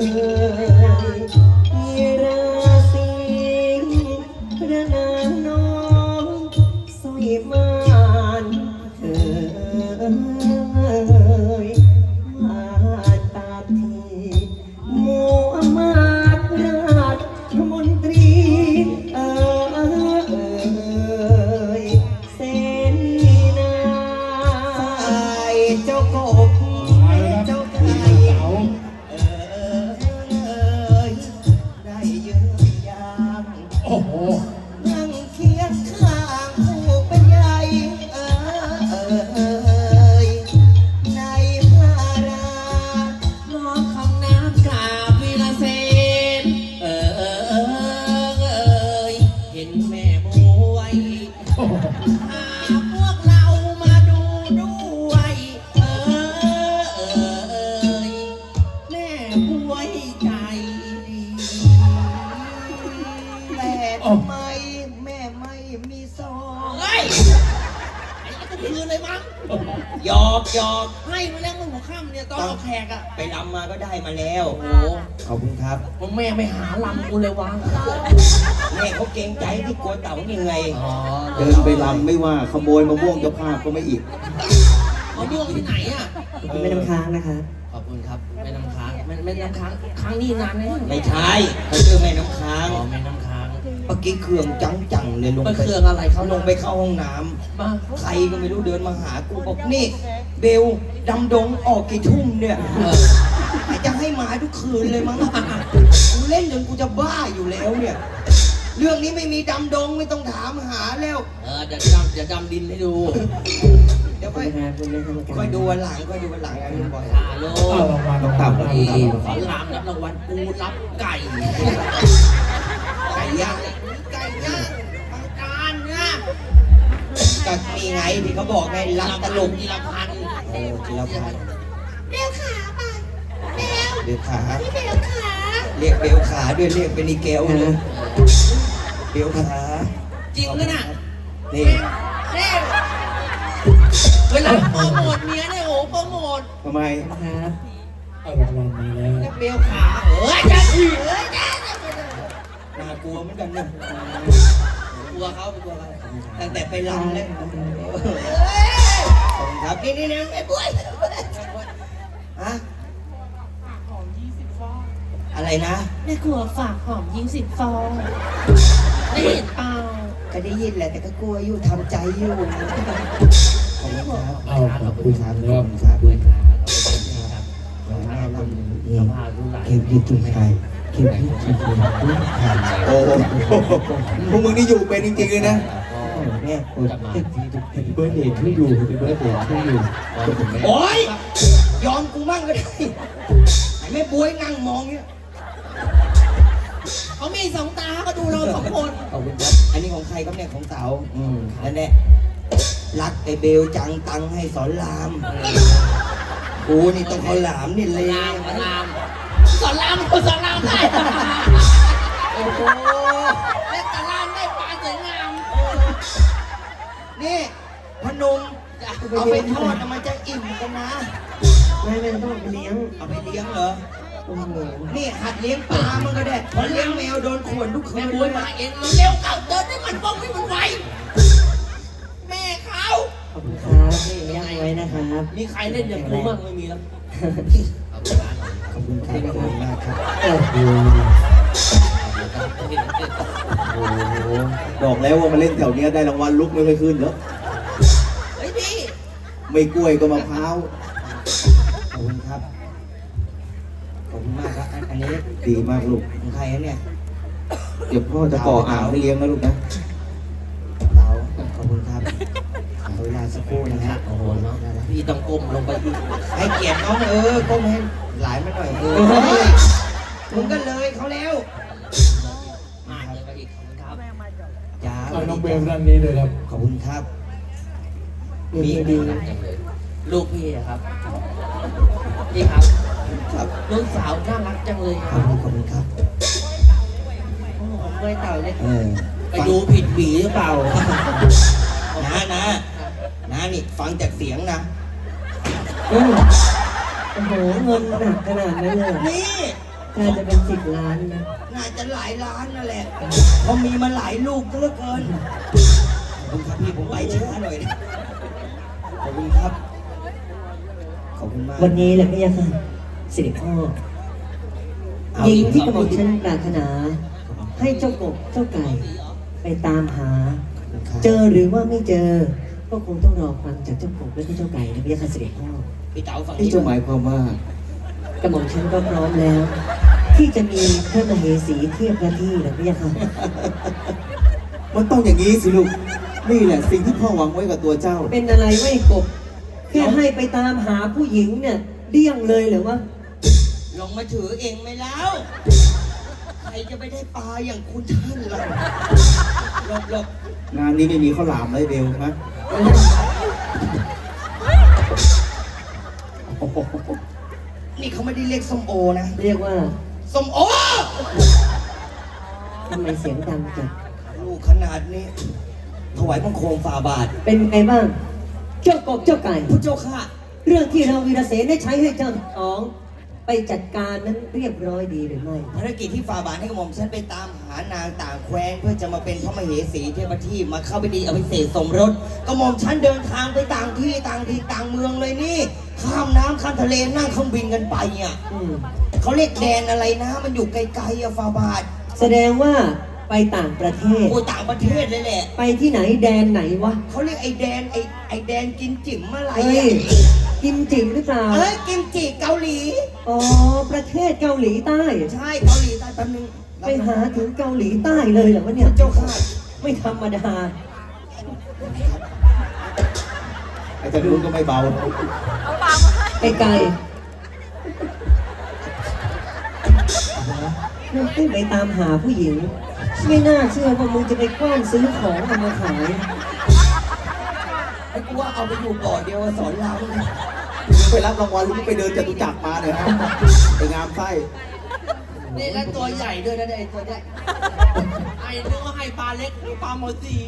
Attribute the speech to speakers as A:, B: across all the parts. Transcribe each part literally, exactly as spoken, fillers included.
A: มีราศีพระนางน้องสวยมานเอ่ยมาตาทีมัวมาตราชมนตรีเอ่ยเสนาเจ้ากบเจ้าไก่เอ่ยได้เยืนยาม
B: โอ้โห
A: นั่งเคียงข้างผู้เป็นใหญ่เอ่ยในพระรา
C: น้องคำน้ำกราบวีรเสนเออเออเออเอยเห็นแม่บวยหาพวกเรามาดูด้วยเออเออเอยแม่บวยใจดี
A: แต่ทำไมแม่ไม่มีซอง
C: เฮ้ยไอ้ก็คืนเลยมั้ง
A: หยอกหยอก
C: ให้มาแล้วเมื่อหัวค่ำเนี่ยตอนเอาแขกอะ
A: ไปรำมาก็ได้มาแล้ว
C: โอ้โห
A: ขอบคุณครับ
C: มึงแม่ไม่หาลำกูเลยวะ
A: แม่เขาเกรงใจที่กลัวเต่าเหนื่อย
C: อ๋อ
D: เดินไปลำไม่ว่าขโมยมะม่วงเจ้าภาพก็ไม่อีก
C: มะม่วงที่ไหนอะ
A: ไม่น้ำค้างนะคะ
C: ขอบคุณครับแม่น้ำค้างแม่แม่น้ำค้างค้างนี่นานไหม
A: ไม่ใช่เขาชื่อแม่น้ำค้าง
C: อ๋อแม่น้ำค้าง
A: เมื่อกี้เครื่องจังจังๆเลยลง
C: ไป
A: ไป
C: เครื่องอะไรเขา
A: ลงไปเข้าห้องน้ำ
C: มา
A: ใครก็ไม่รู้เดินมาหากูบอกนี่เบลดำดงออกกี่ทุ่มเนี่ย
C: เออ
A: จะให้มาทุกคืนเลยมั้งกูเล่นจนกูจะบ้าอยู่แล้วเนี่ย เรื่องนี้ไม่มีดำดงไม่ต้องถามหาแล้ว
C: เออเดี๋ยวดำเดี๋ยวดำดินให้ดู
A: เดี๋ยวค่อยค่อยดูวันหลังค่อยดูวันหลังนะพี่บอย
C: ฮัลโหล
D: เอารางวัลต้องต่ำ
C: นี่
D: ต้องต่ำ
C: ขอรามรับรางวัลปูรับไก่
A: ไก่ย่าง
C: ไก่ย่างบางการเนี่ย
A: ก็มีไงที่เขาบอกไงรักตลก
C: กีฬาพันธ์
A: เออจิรพันธ์
E: เบลขาป่ะเบล
A: เบลขา
E: พี่เบลขา
A: เรียกเบลขาด้วยเรียกเป็นอีเกลเลยเบลขา
C: จริงเลยน่ะ
A: นี่
C: เน่เวลาโปรโมทเมียเนี่ยโอ้โหโปรโมท
D: ทำไม
B: เอารางวัลมาแล้ว
C: เรียกเบลขาเฮ้ยจะเฮ้ยจะ
A: น่ากลัวเหมือนกันเนี่ย
C: กลัวเขาไปกลัวเขา
A: ตั้งแต่ไปรำเลยขอบคุณครับนี่นี่นี่ไอ้บุ้ยฮะอะไรนะ
E: แม่ครัวฝากหอมยิงสิบฟองได้เห็นเปล่า
A: ก็ได้ยินแหละแต่ก็กลัวอยู่ทำใจอยู่ขอบคุณครับ
B: เอาขอบคุณครับ
A: ขอบคุณครับ
C: เว้ยขาครับ
A: ขอบคุณครับ
C: สภาพดูหลาย
A: เก็บดีตุ้งไทยเก็บดีตุ้งไทยตุ้งไทย
D: โอ้โหพวกมึงนี่อยู่เป็นจริงๆเลยนะ
A: แม่คุณ
C: จะมาที่ทุก
D: เห็นเบิร์ดเดย์ที่อยู่เห็นเบิร์ดเดย์ที่อยู่
A: โอ๊ยยอมกูมั่งก็ได้ไอ้แม่บวยนั่งมองเนี่ย
C: เขามีสองตาก็ดูเราสองคน
A: ขอบคุณครับอันนี้ของใครครับเนี่ยของเต๋าอืมนั่นแหละรักไอ้เบลจังตังให้สอนรามกูนี่ต้องเขาหลามนี่เลย
C: ลามลามสอนรามสอนรามได้
A: โอ้โห
C: เล่นแต่รามได้ปลาสวยงาม
A: นี่พนมเอาไปทอดนะมันจะอิ่มกันนะ
F: ไม่ไม่ต้องไปเลี้ยง
A: เอาไปเลี้ยงเหรอ
F: โอ้โห
A: นี่หัดเลี้ยงปลามันก็ได้เพราะเลี้ยงแมวโดนข่วนทุกคื
C: แม่
A: น
C: บุ้ยมาเองเร็วเข้าเดินให้มันว่องให้มันไวแม่เขา
F: ขอบคุณครับที่เลี้ยงไว้นะครับ
C: มีใครเล่นอย่างกูบ้างไม่มีแล้ว
A: ขอบคุณครับขอบคุณมากครับ
D: โอ้โหโอ้โหบอกแล้วว่ามาเล่นแถวเนี้ยได้รางวัลลุกไม่ค่อยขึ้นแล้ว
C: เฮ้ยพี่
D: ไม่กล้วยก็มะพร้าว
A: ขอบคุณครับ ขอบคุณมากครับ อันอันนี้
D: ดีมากลูก
A: ของใครนะเนี่ย
D: เดี๋ยวพ่อจะก่ออ่างให้เลี้ยงนะลูกนะ
A: เต๋าขอบคุณครับขอเวลาสักครู่นะฮะ
C: โอ้โหเนาะพี่ต้องก้มลงไปอีก
A: ให้เกียรติน้องเออก้มให้หลายมาหน่อยเออมึงก็เลยเขาแล้ว
C: มากเลยไปอีกขอบคุณครับ
A: จ้า
B: เอาน้องเบลด้านนี้เลยครับ
A: ขอบคุณครับ
F: มีดี
C: น่ารักจังเลยลูกพี่อะครับพี่ครับ
A: ครับ
C: ลูกสาวน่ารักจังเลยค
A: ข
C: รั
A: อบบ คุณขอบคุณครับ
C: โอ้โหเมื่อยเต่าเลย
A: เออ
C: ไปดูผิดหวีหรือเปล่า
A: นะนะนะนี่ฟังจากเสียงนะ
F: เออโอ้โหเงินหนักขนาดนั้นเลยเหรอ
A: นี่
F: น่าจะเป็นสิบล้านนะ
A: น่าจะหลายล้านนั่นแหละเพราะมีมาหลายลูกเหลือเกินขอบคุณครับพี่ผมไปช้าหน่อยนะขอบคุณครับขอบคุณมาก
F: วันนี้แหละพี่ยาค่ะสิริพ่อหญิงที่กระหม่อมฉันปรารถนา ให้เจ้ากบเจ้าไก่ ไปตามหา เจอหรือว่าไม่เจอ ก็คงต้องรอฟังจากเจ้ากบและเจ้าไก่นะพี่ยาค่ะสิริพ่อ
A: พี่เต๋าฝั่ง
D: ที่
A: นี้
D: จะหมายความว่า
F: กระหม่อมฉันก็พร้อมแล้ว ที่จะมีพระมเหสีเทียบพระที่นะพี่ยาค่ะ
D: มันต้องอย่างนี้สิลูก นี่แหละสิ่งที่พ่อหวังไว้กับตัวเจ้า
F: เป็นอะไรไว้กบแค่ให้ไปตามหาผู้หญิงเนี่ยเดี่ยงเลยเหรือว่า
A: ลงมาถือเองไหมแล้วใครจะไปได้ปลาอย่างคุณท่านล่ะหลบหลบ
D: งานนี้ไม่มีข้าวหลามเลยเบลนะ
A: นี่เขาไม่ได้เรียกส้มโอนะ
F: เรียกว่า
A: ส้มโอ
F: ทำไมเสียงดังจัง
A: ลูกขนาดนี้ ถวายบังคมฝ่าบาท
F: เป็นไงบ้าง เจ้ากบเจ้าไก่
A: ผู้เจ้าค่ะ
F: เรื่องที่เราวีรเสนได้ใช้ให้เจ้าสอง ไปจัดการนั้นเรียบร้อยดีหรือไม่
A: ภารกิจที่ฝ่าบาทให้กระหม่อมฉันไปตามหานางต่างแคว้นเพื่อจะมาเป็นพระมเหสีเทพที่มาเข้าไปดีอภิเษกสมรสกระหม่อมฉันเดินทางไปต่างที่ต่างที่ต่างเมืองเลยนี่ ข้ามน้ำข้ามทะเลนั่งเครื่องบินกันไปอ่ะ
F: อืม
A: เขาเรียกแดนอะไรนะ มันอยู่ไกลๆอะฝ่าบาท
F: แสดงว่าไปต่างประเทศ
A: โอ้ต่างประเทศเลยแหละ
F: ไปที่ไหนแดนไหนวะ
A: เขาเรียกไอ้แดนไอ้ไอ้แดนกินจิ๋มอะไร
F: เฮ้ย
A: อะ
F: กิมจิหรือเปล่า
A: เอ้ยกิมจิเกาหลี
F: อ๋อ ประเทศเกาหลีใต้
A: ใช่เกาหลีใต้แป๊บนึง
F: ไปหาถึงเกาหลีใต้เลยเหรอวะเนี่ย
A: เจ้าค่ะ
F: ไม่ธรรมดา
D: ไอ้เจะรู้นก็ไม่เบา
F: ไอ้ไก่มึงขึ้นไปตามหาผู้หญิง ไม่น่าเชื่อว่ามึงจะไปกว้านซื้อของเอามาขาย
A: ไอ้กูว่าเอาไปอยู่ก่อนเดียวสอนรามเนี่ย
D: ไปรับรางวัลลูกไปเดินจตุจักรมาเนี่ยฮะไปงามไส้
C: นี่แล้วตัวใหญ่ด้วยนะเนี่ยไอ้ตัวใหญ่ไอ้นึกว่าให้ปลาเล็กปลาหมอสี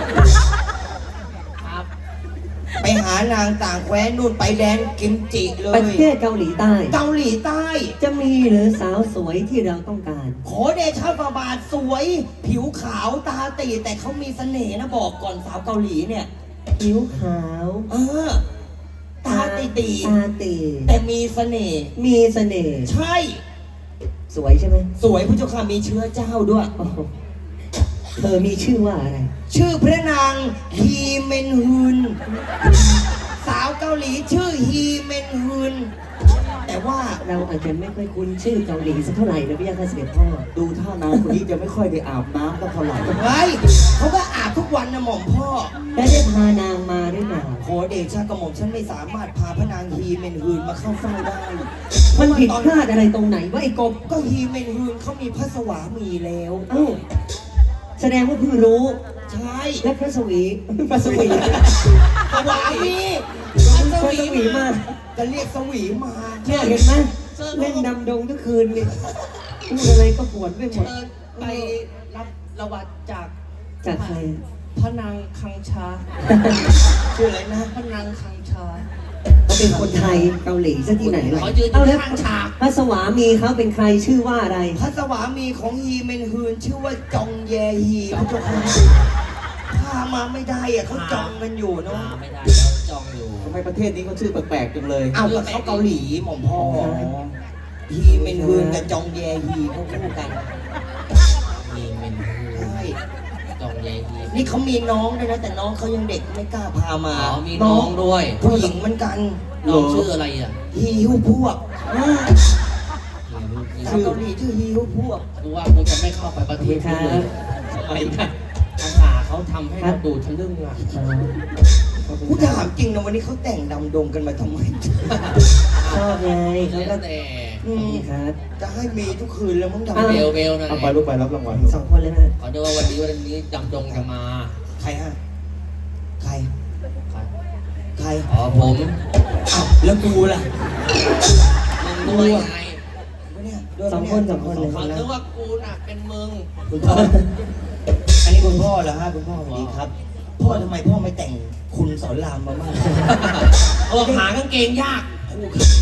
C: ครับ
A: ไปหานางต่างแคว้นนู่นไปแดนกิมจิเล
F: ประ
A: ย
F: เทศเกาหลีใต้
A: เกาหลีใต้
F: จะมีหรือสาวสวยที่เราต้องการ
A: ขอเดชะฝ่าบาทสวย ผิวขาวตาตีแต่เขามีเสน่ห์นะบอกก่อนสาวเกาหลีเนี่ย
F: ผิวขาว
A: เออ ตาตีตี
F: ตาตี
A: แต่มีเสน่ห์
F: มีเสน่ห์
A: ใช่
F: สวยใช่ไหม
A: สวยผู้เจ้าค่ะมีเชื้อเจ้าด้วย
F: โอ้โหเธอมีชื่อว่าอะไร
A: ชื่อพระนางฮีเมนฮึน สาวเกาหลีชื่อฮีเมนฮึน แต่ว่า
F: เราอาจจะไม่ค่อยคุ้นชื่อเกาหลีสักเท่าไหร่นะพี่ยาค่ะเสด็จพ่อ
D: ดูท่านางคนนี้จะไม่ค่อยได้อาบน้ำก็เท่าไหร่
A: เฮ้ยเขาก็อาบทุกวันนะหม่อมพ่อ
F: แล้วได้พานางมาหรือเปล่า
A: ขอเดชะกระหม่อมฉันไม่สามารถพาพระนางฮีเมนฮึนมาเข้าเฝ้าได้
F: มันผิด
A: เพราะ
F: พ
A: ว่า
F: ลาดอะไรตรงไหนวะไอ้กบ
A: ตอนก็ฮีเมนฮึนเขามีพระสวามีแล้ว
F: เอ้า แสดงว่าเพิ่งรู้
A: ใช่
F: และพระสวีพระสวี
A: สวามี
F: พระสวีมา
A: จะเรียกสวีมา
F: เนี่ยเห็นไหมเล่นดำดงทุกคืนนี่พูดอะไรก็ปวดไปหมด
C: เชิญไปรับระวัดจาก
F: จากใคร
C: พระนางคังชา
A: ชื่ออะไรนะ
C: พระนางคังชา
F: เขาเป็นคนไทยเกาหลีซะที่ไหนล่ะ
C: ขอยืน
F: เอาแล้ว
C: ข้างฉาก
F: พระสวามีเขาเป็นใครชื่อว่าอะไร
A: พระสวามีของฮีเมนฮึนชื่อว่าจองแยฮีพระเจ้าค่ะพามาไม่ได้อะเขาจองกันอยู่เนาะ
C: มาไม่ได้แล้วจองอยู่
D: ทำไมประเทศนี้เขาชื่อแปลกๆจังเลย
A: เอากับเขาเกาหลีหม่อมพ่อฮีเมนฮึนกับจองแยฮีเขาคู่กัน
C: มีเมน
A: ใช่
C: จองใหญ่ดี
A: นี่เขามีน้องด้วยนะแต่น้องเขายังเด็กไม่กล้าพามา
C: อ๋อมีน้องด้วย
A: ผู้หญิงเหมือนกัน
C: น้องชื่ออะไรอ่ะ
A: ฮีฮิวพวก
C: ชื่
A: ชาว
C: อ
A: เกาหลีชื่อฮีฮิวพวก
C: กูว่ากูจะไม่เข้าไปประเทศนี้เลยทำไมนะภาษาเขาทำให้เราดูทะลึ่งอ่ะ
A: กูถามจริงนะวันนี้เขาแต่งดำดงกันมาทำไม
F: ชอบไงเขา
C: แล้
F: ก็
C: วแต่
A: อืม
F: ครับ
A: จะให้มีทุกคืนแล้วมั้งดำ
F: อ้าว
C: เบ
A: ด
C: ล
A: ง
C: เบลหน่อย
D: เอาไปลูกไปรับรางวัล
F: สองคนเลยนะ
C: ขอดูว่าวันนี้วันนี้จำจงจะมา
A: ใครฮะใคร
C: ใคร
A: ใคร
C: อ๋อผม
A: อ้าวแล้วกูล่ะ
C: มึงด้วยไง
A: วะเนี่ยด้วย
F: สอง
A: ปะ
F: คน
A: เย
F: สองคนเลย
C: เขาคิดว่ากูน่ะเป็นมึง
A: คุณพ่ออันนี้คุณพ่อเหรอฮะคุณพ่อสวัสดีครับ พ่อทำไมพ่อไม่แต่งคุณสอนรามมาบ้าง
C: เออหากางเกงยาก
A: คู่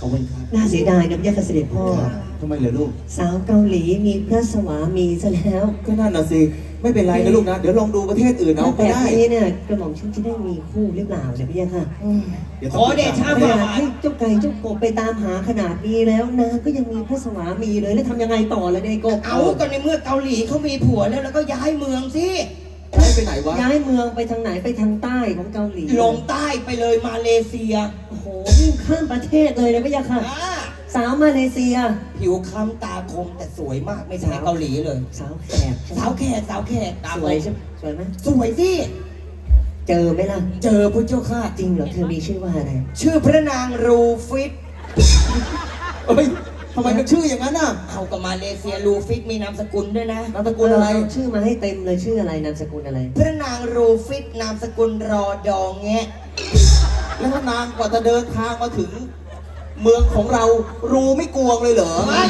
D: ขอบคุณครับ
F: น่าเสียดายนะพระยาค่ะเสด็จพ่อ
D: ครับทำไมเหรอลูก
F: สาวเกาหลีมีพระสวามีซะแล้ว
D: ก็นั่นน่ะสิ ไม่เป็นไรนะลูกนะ เดี๋ยวลองดูประเทศอื่นเอา
F: ถ้า
D: ก็
F: แบบ
D: ได้
F: นี้เนี่ยกระหม่อมฉันจะได้มีคู่หรือเปล่าเนี่ยพระยาค่ะ
D: เดี๋ยว
A: ข
D: ต้
A: อ
D: อง
A: เดชะ
F: ข
A: พระ
F: นาด
A: บาท
F: ให้เจ้าไก่เจ้ากบไปตามหาขนาดนี้แล้วนางก็ยังมีพระสวามีเลยแล้วทำยังไงต่อเลยเนี่ยไอ้กบ
A: เอาก็ในเมื่อเกาหลีเขามีผัวแล้วแล้วก็ย้ายเมืองสิ
D: ได้ไปไหนวะ
F: ย้ายเมืองไปทางไหนไปทางใต้ของเกาหลี
A: ลงใต้ไปเลยมาเลเซีย
F: โอ้โหวิ่งข้ามประเทศเลยนะพระยาค่ะ
A: อ่า
F: สาวมาเลเซีย
A: ผิวคล้ำตาคมแต่สวยมากไม่ใช่เกาหลีเลย
F: สาวแขก
A: สาวแขกสาวแขกตา
F: ส
A: ค
F: วย
A: ม
F: ใช่ไหมสวยไหม
A: สวยสิ
F: เจอไหมล่ะ
A: เจอพระเจ้าค่ะ
F: จริงเหรอเธอมีชื่อว่าอะไร
A: ชื่อพระนางรูฟิต
D: เอ้ยทำไมมันชื่ออย่างนั้นน่ะ
A: เอากับมาเลเซียรูฟิตมีนามสกุลด้วยนะ
D: นามสกุลอะไร
F: เาชื่อมาให้เต็มเลยชื่ออะไรนามสกุลอะไร
A: พระนางรูฟิตนามสกุลรอดองแงะ
D: แล้วถ้านางกว่าจะเดินทางมาถึง เมืองของเรารูไม่กวงเลยเหรอ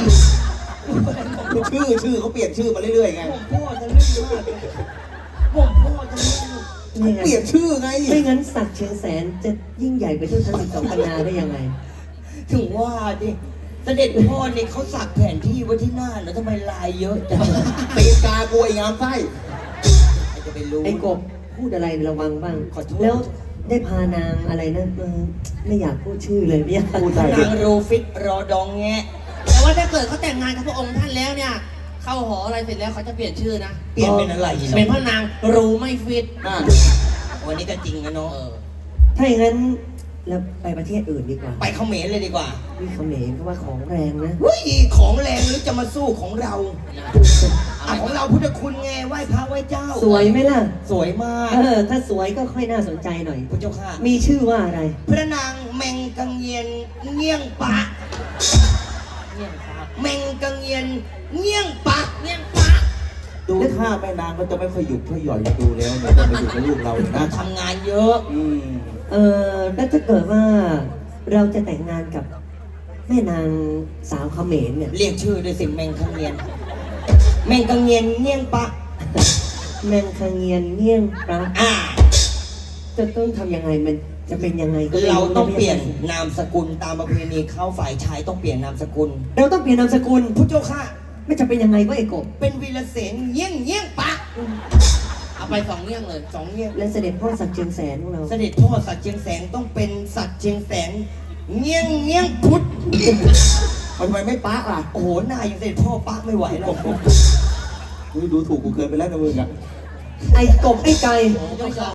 D: ชื่อชื่อเขาเปลี่ยนชื่อมาเรื่อยๆไง
A: ผมพ่อจะเล่นมากเลยผมพ่อจะเล่น
F: นี่ไง
D: เปลี่ยนชื่อไง
F: ไม่งั้นศักดิ์เชียงแสนจะยิ่งใหญ่ไปทั่วทั้งสิบสองปันนาได้ยังไง
A: ถึงว่าดิเสด็จพ่อเนี่ยเขาสักแผนที่ไว้ที่หน้าแล้วทำไมลายเยอะจัง
D: ตีนกากวยงามไส้
A: ใครจะไปรู้
F: ไอ้กบพูดอะไรระวังบ้าง
A: ขอโทษ
F: แล้วได้พานางอะไรนะเออไม่อยากพูดชื่อเลยไม่อยาก
D: พูด
A: พ
D: ได้
A: ระนางรูฟิตรอดองแงะ
C: แต่ว่าถ้าเกิดเขาแต่งงานกับพระองค์ท่านแล้วเนี่ย เข้าหออะไรเสร็จแล้วเขาจะเปลี่ยนชื่อนะ
A: เปลี่ยนเป็นอะไร
C: เป็นพระนางรูไม่ฟิต
D: อ่ะ
A: วันนี้ก็จริงนะเนาะ
F: ถ้าอย่างนั้นเราไปประเทศอื่นดีกว่า
A: ไปเขมรเลยดีกว่า
F: นี่เขมรก็ว่าของแรงนะ
A: เฮ้ยของแรงหรือจะมาสู้ของเราอ่ะของเราพุทธคุณไงไหว้พระไหว้เจ้า
F: สวยไหมล่ะ
A: สวยมาก
F: เออ ถ้าสวยก็ค่อยน่าสนใจหน่อย
A: พระเจ้าค่ะ
F: มีชื่อว่าอะไร
A: พระนางแมงกังเยียนเงี้ยงปะ
C: เนี่ยครับ
A: แมงกังเยียนเงี้ยงปะ
C: เนี่ยปะ
D: ดูท่าแม่นางก็จะไม่ค่อยหยุดค่อยหย่อนดูแล้วเนี่ยจะมาอยู่กับลูกเราเลยนะ
A: ทำงานเยอะ
D: อืม
F: เออแล้วถ้าเกิดว่าเราจะแต่งงานกับแม่นางสาวเขมรเนี่ย
A: เรียกชื่อด้วยสิแมงกังเยียนแมงกังเยียนเงี้ยงปะ
F: แมงคังเงียนเงี้ยงปลา
A: อ่า
F: จะต้องทำยังไงมันจะเป็นยังไงก็ไม่
A: เราต้องเปลี่ยน
F: นะ
A: นามสกุลตามประเพณีเข้าฝ่ายชายต้องเปลี่ยนนามสกุล
F: เราต้องเปลี่ยนนามสกุล
A: พระเจ้าค่ะ
F: ไม่จะเป็นยังไงวะไอ้กบ
A: เป็นวีรเสนเงี้ยงเงี้ยงปะ
C: เอาไปสองเงี้ยงเลย
A: สองเงี้ยง
F: และเสด็จพ่อศักดิ์เชียงแสนของเรา
A: เสด็จพ่อสัตว์เชียงแสนต้องเป็นสัตว์เชียงแสนเงี้ยงเงี้ยงพุทธ
D: ทำไมไม่ปะล่ะ
A: โอ้โหหน้าอย่างเสด็จพ่อปะไม่ไหวแล้ว
D: อุ๊ยดูถูกกูเกินไปแล้วนะมึงอ่ะ
F: ไอ้กบไอ้ไก่
C: ผมยก